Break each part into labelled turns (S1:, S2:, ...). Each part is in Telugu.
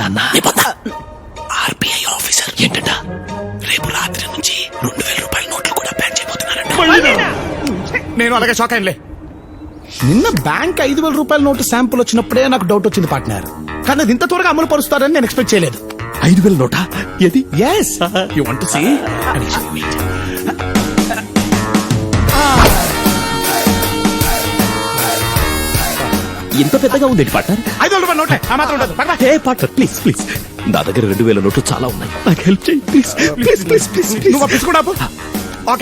S1: అన్నా ఆర్బీఐ ఆఫీసర్ ఏంటంట రేపు రాత్రి నుంచి 2000 రూపాయల నోట్లు కూడా బ్యాన్ చేయబోతున్నారంట.
S2: నేను అలాగే షాక్ అయ్యలే. నిన్న బ్యాంక్ 5000 రూపాయల నోటు శాంపుల్ వచ్చినప్పుడే నాకు డౌట్ వచ్చింది పార్ట్నర్. కానీ అది ఇంత త్వరగా అమలు పరుస్తారని నేను ఎక్స్పెక్ట్ చేయలేదు.
S1: 5000 నోటా? ఏది?
S2: Yes you want to see?
S1: ఇంత పెద్దగా ఉంది పార్ట్నర్.
S2: 5000 రూపాయల నోటే ఆ మాత్రం ఉండదు. పక్కన.
S1: ఏ పార్ట్నర్ ప్లీజ్ ప్లీజ్, నా దగ్గర 2000 నోట్లు చాలా ఉన్నాయి, నాకు హెల్ప్ చేయి ప్లీజ్ ప్లీజ్ ప్లీజ్ ప్లీజ్.
S2: నువ్వు తీసుకున్నా. ఓకే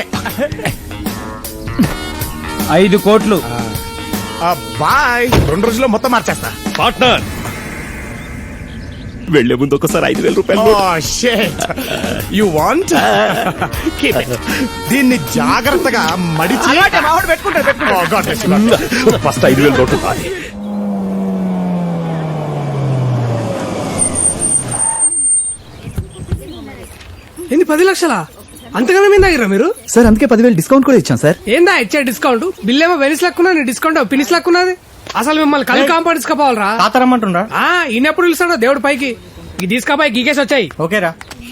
S3: 5 కోట్లు.
S2: బాయ్. 2 రోజుల్లో మొత్తం మార్చేస్తా.
S1: పార్ట్నర్ వెళ్లే ముందు ఒకసారి 5000 రూపాయలు
S2: యు వాంట్? దీన్ని జాగ్రత్తగా మడిచి
S1: ఫస్ట్ 5000 నోట్లు.
S4: ఏంది 10 లక్షలా? అంతగానే మీద దగ్గర మీరు
S3: సార్ అందుకే 10,000 డిస్కౌంట్ కూడా ఇచ్చాం సార్.
S4: ఏందా ఇచ్చే డిస్కౌంట్? బిల్ ఏమో వెనిస్ లక్కున్నా, డిస్కౌంట్ పినిస్ లక్కున్నది. అసలు మిమ్మల్ని కలి కాంపౌండ్ తీసుకుపోవాలరా?
S3: తాతరమ్మంటుండ్రా?
S4: ఈయనెప్పుడు పిలుస్తాడో దేవుడు పైకి. ఇది తీసుకపోయి గీకేసి వచ్చాయి.
S3: ఓకేరా.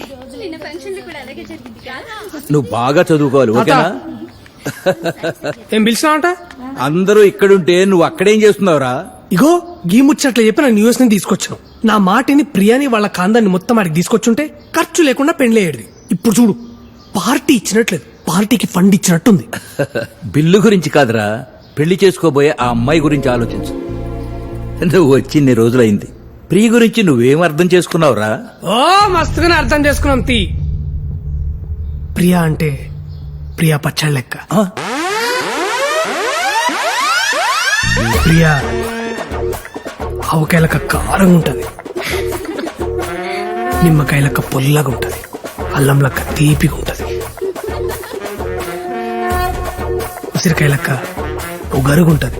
S5: నువ్వు బాగా చదువుకోవాలి ఓకేనా?
S4: ఏం పిలిచినావంట?
S5: అందరూ ఇక్కడుంటే నువ్వు అక్కడేం చేస్తున్నావురా?
S4: ఇగో గీ ముచ్చట్లు చెప్పి నా న్యూస్ ని తీసుకొచ్చాను. నా మాటిని ప్రియాని వాళ్ళ కాందాన్ని మొత్తం ఆడికి తీసుకొచ్చుంటే ఖర్చు లేకుండా పెండ్లేయడిది. ఇప్పుడు చూడు, పార్టీ ఇచ్చినట్లేదు, పార్టీకి ఫండ్ ఇచ్చినట్టుంది.
S5: బిల్లు గురించి కాదురా, పెళ్లి చేసుకోబోయే ఆ అమ్మాయి గురించి ఆలోచించు. నువ్వు వచ్చి ఇన్ని రోజులైంది, ప్రియ గురించి నువ్వేం అర్థం చేసుకున్నావురా?
S4: ఓ మస్తుగానే అర్థం చేసుకున్నాం. ప్రియా అంటే ప్రియా పచ్చళ్ళ లెక్క. ప్రియా ఆవకాయలక కారంగా ఉంటది, నిమ్మకాయలక పొల్లగా ఉంటది, అల్లం లెక్క తీపిగా ఉంటది, ఉసిరికాయలక్క ఉగరుగుంటది.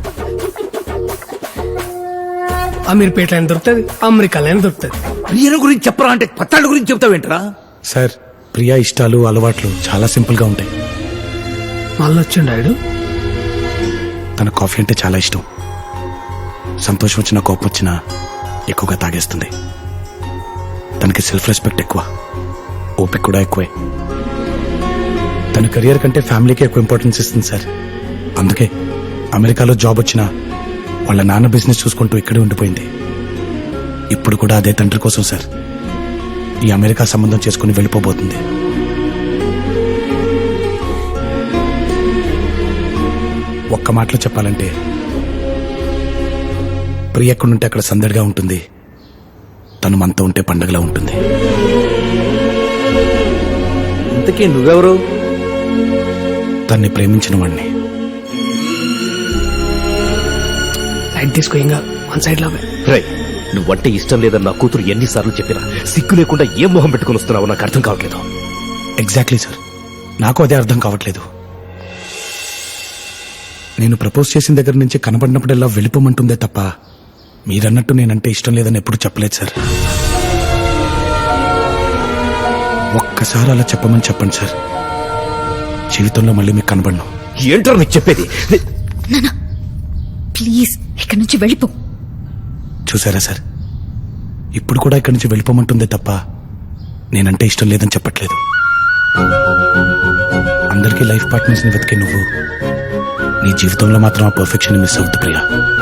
S4: అమీర్పేటలైన దొరుకుతుంది, అమెరికాలైన దొరుకుతుంది.
S5: ప్రియను గురించి చెప్పరా అంటే పత్తాళ్ళ గురించి చెప్తావేంట్రా?
S2: సార్ ప్రియా ఇష్టాలు అలవాట్లు చాలా సింపుల్ గా ఉంటాయి.
S4: మళ్ళొచ్చిండాడు.
S2: తన కాఫీ అంటే చాలా ఇష్టం. సంతోషం వచ్చినా కోపం వచ్చినా ఎక్కువగా తాగేస్తుంది. తనకి సెల్ఫ్ రెస్పెక్ట్ ఎక్కువ, ఓపిక కూడా ఎక్కువే. తన కెరియర్ కంటే ఫ్యామిలీకి ఎక్కువ ఇంపార్టెన్స్ ఇస్తుంది సార్. అందుకే అమెరికాలో జాబ్ వచ్చినా వాళ్ళ నాన్న బిజినెస్ చూసుకుంటూ ఇక్కడే ఉండిపోయింది. ఇప్పుడు కూడా అదే తండ్రి కోసం సార్ ఈ అమెరికా సంబంధం చేసుకుని వెళ్ళిపోబోతుంది. ఒక్క మాటలో చెప్పాలంటే ప్రియ ఎక్కడుంటే అక్కడ సందడిగా ఉంటుంది, తను మనతో ఉంటే పండగలా ఉంటుంది.
S5: ఇంతకీ నువ్వెవరు?
S2: తన్ని ప్రేమించిన వాడిని.
S4: లైట్ తీసుకో, ఇంకా వన్ సైడ్ లో
S1: నువ్వంటే ఇష్టం లేదని నా కూతురు ఎన్నిసార్లు చెప్పినా సిగ్గు లేకుండా ఏం మొహం పెట్టుకుని వస్తున్నావో నాకు అర్థం కావట్లేదు.
S2: ఎగ్జాక్ట్లీ సార్, నాకు అదే అర్థం కావట్లేదు. నేను ప్రపోజ్ చేసిన దగ్గర నుంచి కనబడినప్పుడల్లా వెళ్ళిపోమంటుందే తప్ప మీరన్నట్టు నేనంటే ఇష్టం లేదని ఎప్పుడు చెప్పలేదు సార్. ఒక్కసారి అలా చెప్పమని చెప్పండి సార్, జీవితంలో మళ్ళీ మీకు కనబడను.
S1: ఏంటో నీకు చెప్పేది?
S6: ప్లీజ్ ఇక్కడి నుంచి వెళ్ళిపో.
S2: చూసారా సార్, ఇప్పుడు కూడా ఇక్కడి నుంచి వెళ్ళిపోమంటుందే తప్ప నేనంటే ఇష్టం లేదని చెప్పట్లేదు. అందరికీ లైఫ్ పార్ట్నర్స్ ని వెతికే నువ్వు నీ జీవితంలో మాత్రం ఆ పర్ఫెక్షన్ మిస్ అవుతుంది ప్రియా.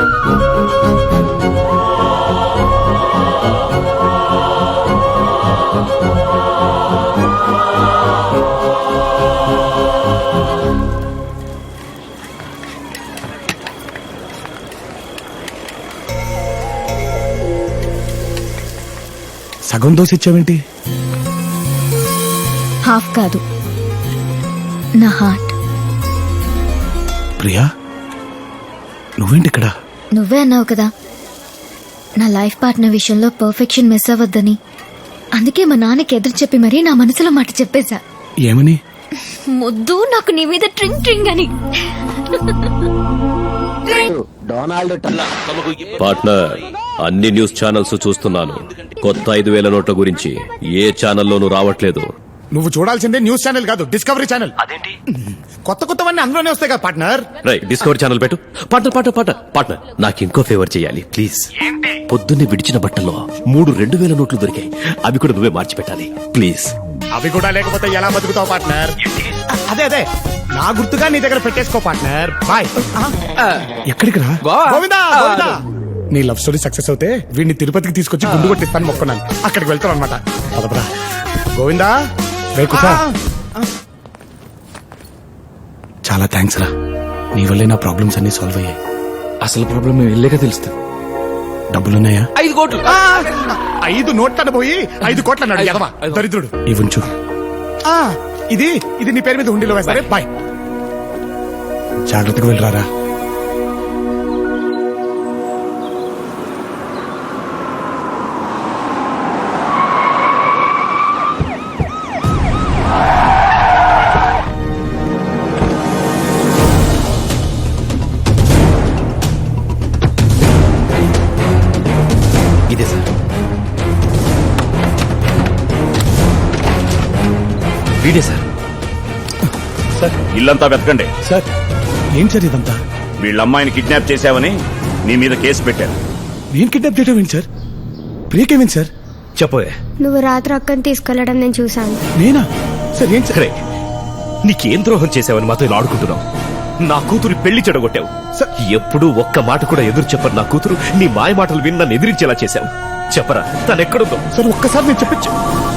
S2: సగం దోశ ఇచ్చావేంటి?
S6: హాఫ్ కాదు, నా హార్ట్.
S2: ప్రియా నువ్వేంటి ఇక్కడ?
S6: నువ్వే అన్నావు కదా నా లైఫ్ పార్ట్నర్ విషయంలో పర్ఫెక్షన్ మిస్ అవ్వద్దని. అందుకే మా నాన్నకి ఎదురు చెప్పి మరీ నా మనసులో మాట చెప్పేశా.
S2: ఏమని?
S6: ముద్దు నాకు నీ మీద ట్రింగ్ ట్రింగ్ అని.
S1: పార్ట్నర్, అన్ని న్యూస్ ఛానల్స్ చూస్తున్నాను. కొత్త 5000 నోట్ల గురించి ఏ ఛానల్లోనూ రావట్లేదు.
S2: నువ్వు చూడాల్సిందే న్యూస్ ఛానల్ కాదు, డిస్కవరీ ఛానల్. అదేంటి? కొత్త కొత్తవన్నీ అందులోనే వస్తాయి కదా పార్ట్నర్.
S1: డిస్కవర్ ఛానల్ పెట్టు. పార్ట్నర్ నాకు ఇంకో ఫేవర్ చేయాలి ప్లీజ్. పొద్దున్నే విడిచిన బట్టల్లో 3 2000 నోట్లు దొరికాయి. అవి కూడా నువ్వే మార్చి పెట్టాలి ప్లీజ్.
S2: అవి కూడా లేకపోతే ఎలా బతుకుతావు పార్ట్నర్? అదే నా గుర్తుగా నీ దగ్గర పెట్టేసుకో పార్ట్నర్. బాయ్. ఎక్కడికి రా? గోవిందా గోవిందా. నీ లవ్ స్టోరీ సక్సెస్ అవుతే వీడిని తిరుపతికి తీసుకొచ్చి గుండు కొట్టిస్తాను మొక్కున్నాను. అక్కడికి వెళ్తాను అనమాట. పదపరా గోవిందా. చాలా థ్యాంక్స్ రా, నీ వల్లే నా ప్రాబ్లమ్స్ అన్ని సాల్వ్ అయ్యాయి.
S1: అసలు ప్రాబ్లం వెళ్ళాక తెలుస్తుంది.
S2: డబ్బులున్నాయా?
S1: 5 కోట్లు.
S2: 5 నోట్లను పోయి 5 కోట్ల అన్నాడు ఎదవా దరిద్రుడు. ఇవ్వంచు. ఇది నీ పేరు మీద ఉండిలో వేస్తారే. బాయ్. జాగ్రత్తగా వెళ్ళరారా.
S1: ఇదే సార్. వీడే సార్.
S7: ఇల్లంతా వెతకండి.
S2: సార్ ఏం సార్ ఇదంతా?
S7: వీళ్ళ అమ్మాయిని కిడ్నాప్ చేశావని నీ మీద కేసు పెట్టారు.
S2: నేను కిడ్నాప్ చేయడం ఏంటి సార్? బ్రేకేమేంటి సార్?
S1: చెప్పవే.
S8: నువ్వు రాత్రి అక్కని తీసుకెళ్లడం నేను చూశాను.
S2: నేనా సార్? ఏం సార్?
S1: సరే, నీకేం ద్రోహం చేశావని మాతో ఇలా ఆడుకుంటున్నావు? నా కూతురు పెళ్లి చెడగొట్టావు. ఎప్పుడూ ఒక్క మాట కూడా ఎదురు చెప్పరు నా కూతురు. నీ మాయ మాటలు విని నన్ను ఎదిరించేలా చేశావు. చెప్పరా తనెక్కడుందో?
S2: సార్ ఒక్కసారి నేను చెప్పించు.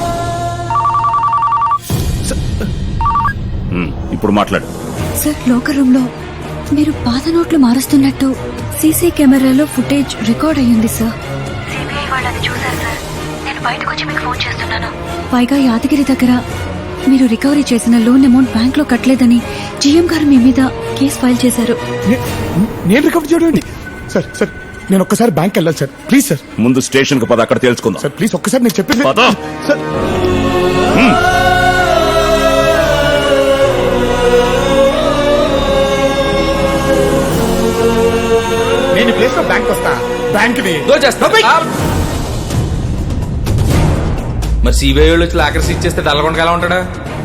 S7: ఇప్పుడు మాట్లాడు.
S9: సార్, లోకర్ రూమ్ లో మీరు పాత నోట్లు మారుస్తున్నట్టు సీసీ కెమెరాలో ఫుటేజ్ రికార్డ్ అయ్యింది సార్. సిబిఐ వాళ్ళని చూశారు సార్. నేను బయటకు వచ్చి మీకు ఫోన్ చేస్తున్నాను. పైగా యాదగిరి దగ్గర మీరు రికవరీ చేసిన లోన్ అమౌంట్ బ్యాంక్ లో కట్టలేదని జీఎం గారు మీ మీద కేసు ఫైల్ చేశారు.
S2: నేను రికవర్ చేయడం ఏంటి? సార్ నేను ఒక్కసారి బ్యాంక్ వెళ్ళాలి సార్. Please sir.
S7: ముందు స్టేషన్ కు పద, అక్కడ తేల్చుకుందాం.
S2: సార్ ప్లీజ్ ఒక్కసారి నేను చెప్పేది
S7: పద.
S2: సార్. నేను ప్లేస్ లో బ్యాంక్ వస్తా. బ్యాంక్
S10: మరి సిబిఐ వాళ్ళు వచ్చి లాకర్స్ ఇచ్చేస్తే డల్లగొండగా ఎలా ఉంటాడా?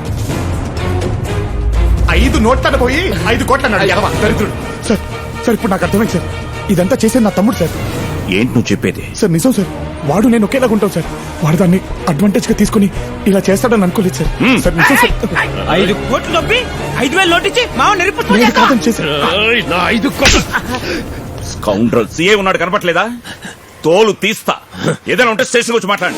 S2: 5 నోట్లను పోయి 5 కోట్ల అన్నాడు ఎదవా దరిద్రుడు. సార్ ఇప్పుడు నాకు అర్థమైంది సార్. ఇదంతా చేసేది నా తమ్ముడు సార్.
S7: ఏంటి నువ్వు చెప్పేది?
S2: సార్ నిజం సార్. వాడు నేను ఒకేలాగా ఉంటాం సార్. వాడు దాన్ని అడ్వాంటేజ్ గా తీసుకుని ఇలా చేస్తాడని అనుకోలేదు సార్. సార్ నిజం సార్.
S3: 5 కోట్లు నొప్పి 5000 నోటిచ్చి మా
S2: నేను కాదని చేశారు.
S7: నా 5 కోట్లు. స్కౌండ్రల్ సీఏ ఉన్నాడు కనపట్లేదా? తోలు తీస్తా. ఏదైనా ఉంటే స్టేషన్ వచ్చి మాట్లాడండి.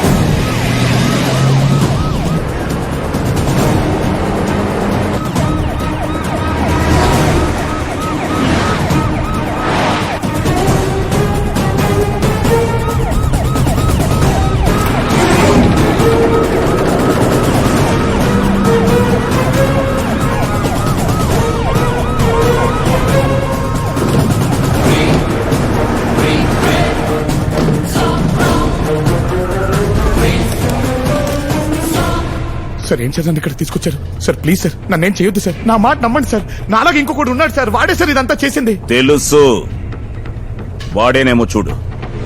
S2: సార్ ఏం చేద్దాం ఇక్కడ తీసుకొచ్చారు సార్? ప్లీజ్ సార్ నన్నేం చేయొద్దు సార్. నా మాట నమ్మండి సార్. నాలాగా ఇంకొకటి ఉన్నాడు సార్. వాడే సార్ ఇదంతా చేసింది.
S7: తెలుసు, వాడేనేమో చూడు.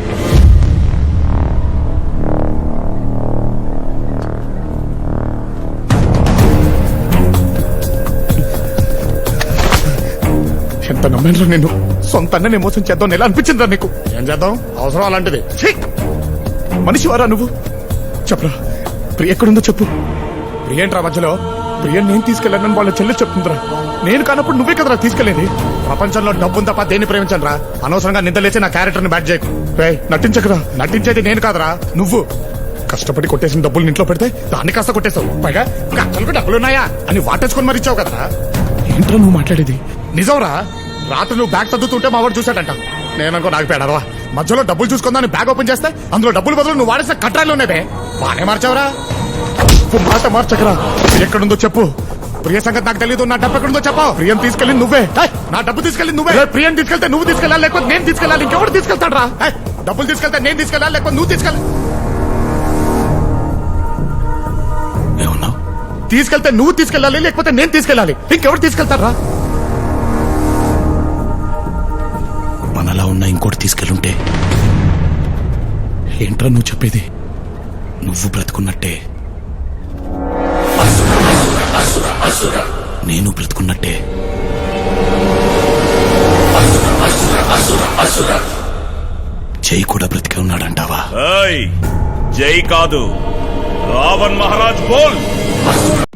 S2: ఎంత నమ్మాను నేను. సొంత అన్ననే మోసం చేద్దాం ఎలా అనిపించిందిరా నీకు? ఏం చేద్దాం, అవసరం అలాంటిది. మనిషి వారా నువ్వు? చెప్పరా ప్రియ ఎక్కడుందో చెప్పు. ప్రియంట్రా మధ్యలో? ప్రియ నేను తీసుకెళ్ళానని వాళ్ళ చెల్లి చెప్తుందిరా. నేను కానప్పుడు నువ్వే కదరా తీసుకెళ్ళేది. ప్రపంచంలో డబ్బుని తప్ప దేన్ని ప్రేమించను రా. అనవసరంగా నిందలేసి నా క్యారెక్టర్ ని బ్యాట్ చేయకు. నటించకరా. నటించేది నేను కాదురా నువ్వు. కష్టపడి కొట్టేసిన డబ్బులు ఇంట్లో పెడితే దాన్ని కాస్త కొట్టేశావు. పైగా అసలు డబ్బులున్నాయా అని వాటేసుకొని మరి ఇచ్చావు కదరా. ఏంట్రా నువ్వు మాట్లాడేది? నిజంరా. రాత్రి నువ్వు బ్యాగ్ తగ్గుతుంటే మా వాడు చూశాడంట. నేననుకో నాకు పేడవా. మధ్యలో డబ్బులు చూసుకుందాని బ్యాగ్ ఓపెన్ చేస్తే అందులో డబ్బులు బదులు నువ్వు వాడేసిన కట్రాలు ఉన్నావే. బానే మార్చావురా. మాట మార్చకరా. ఎక్కడుందో చెప్పు. ప్రియ సంగతి నాకు తెలియదు. నా డబ్బు ఎక్కడుందో చెప్పావు. ప్రియం తీసుకెళ్ళి నువ్వే. నా డబ్బు తీసుకెళ్ళి నువ్వే. ప్రియం తీసుకెళ్తే నువ్వు తీసుకెళ్ళాలి, లేకపోతే నేను తీసుకెళ్ళాలి. ఇంకెవరు తీసుకెళ్తాడు రా? డబ్బులు తీసుకెళ్తే నేను తీసుకెళ్ళాలి, లేకపోతే నువ్వు తీసుకెళ్ళాలి.
S1: ఏమన్నావు?
S2: తీసుకెళ్తే నువ్వు తీసుకెళ్ళాలి, లేకపోతే నేను తీసుకెళ్ళాలి. ఇంకెవరు తీసుకెళ్తారా?
S1: మనలా ఉన్న ఇంకోటి తీసుకెళ్ళుంటే
S2: ఏంట్రా నువ్వు చెప్పేది?
S1: నువ్వు బ్రతుకున్నట్టే.
S2: నేను బ్రతుకున్నట్టే. జై కూడా బ్రతికే ఉన్నాడంటావా?
S7: జై కాదు, రావణ్ మహారాజ్ బోల్.